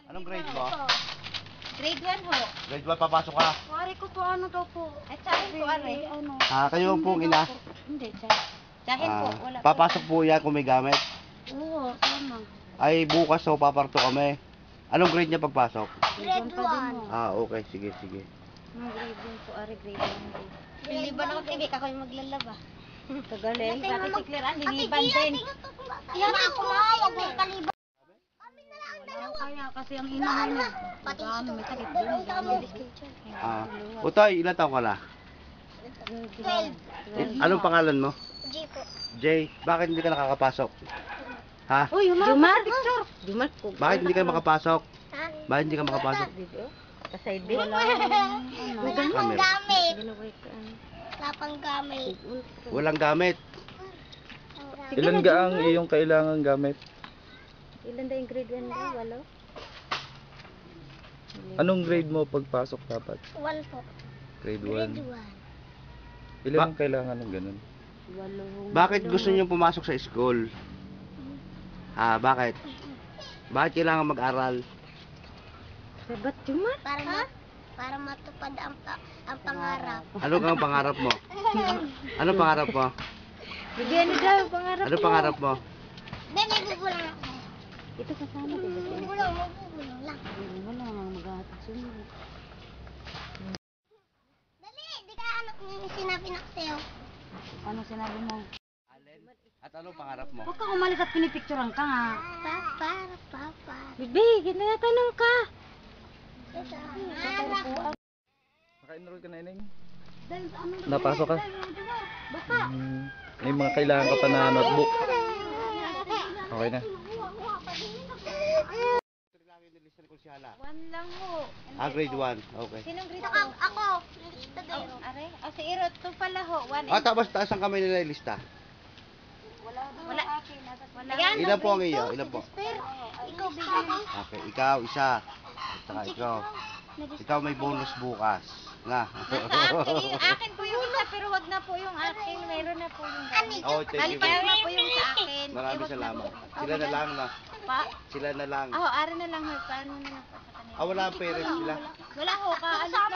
Anong grade mo? Grade 1 ho. Grade 1, papasok ka. Pare ko po ano daw po. At tsahin po, are. Ano? Kayo pong ina. Hindi, tsahin. Tsahin po, wala po. Papasok po yan kung may gamit. Oo, tama. Ay, bukas so paparto kami. Anong grade niya pagpasok? Grade 1. Okay, sige. Mga grade 1 po, are grade 1. Liliban ako, tibik ako yung maglalaba. Kagaling. Bakit si Claire Ann, liliban din. Yan ako na, huwag mong kaliban. Kaya kasi ang ina mo niya. Ano, may sakit din. Utoy, ilan taong ka na? 12. Anong pangalan mo? G po. Jay, bakit hindi ka nakakapasok? Ha? Uy, Jumar, picture. Jumar po. Bakit hindi ka makapasok? Ha? Bakit hindi ka makapasok? Kasay din. Wala Camera. gamit. Wala pang gamit. Walang gamit. Ilan ga ang iyong kailangan gamit? Ilan daw yung grade 1 daw? Walo? Anong grade mo pagpasok dapat? 1 po. Grade Grade 1. Ilan ang kailangan ng ganun? Walo. Bakit gusto niyo pumasok sa school? Bakit? Bakit kailangan mag-aral? Sabat Jumar? Para matupad ang pangarap. Ano kang pangarap mo? Ano pangarap mo? Bigyan niyo daw pangarap Ano pangarap mo? Ben, nagugulang ako. Ito kasama ko. Magugulang lang. Wala nga maghahatid sumunod. Dali, di ka ano sinabi na sa'yo. Ano sinabi mo? At anong pangarap mo? Huwag kang umalis at pinipicturean ka nga. Papa. Bibi, ginatanong ka. Naka-enroll ka na, Ineng? Napasok ka? Baka. May mga kailangan ka pa na notebook. Okay na. One lang ho. Grade 1. Okay. Sinong grade Ako, 2? ako. Nilista din. Are? Si Irot, 2 pala ho. 1 Tapos taas ang kamay nila ilista. Wala. Wala. Ilan po ang iyo? Ilan po? Ikaw bigyan. Okay, ikaw isa. At saka ikaw. Ikaw may bonus bukas. Na. Akin po yung isa, pero wag na po yung akin. Mayroon na po yung gamit. Oh, thank you. Nalipayo na po yung sa akin. Maraming salamat. Sila na lang na. Pa? Sila na lang. Are na lang ho. Paano na lang po sa kanila? Wala ang parents sila. Wala ho. Ano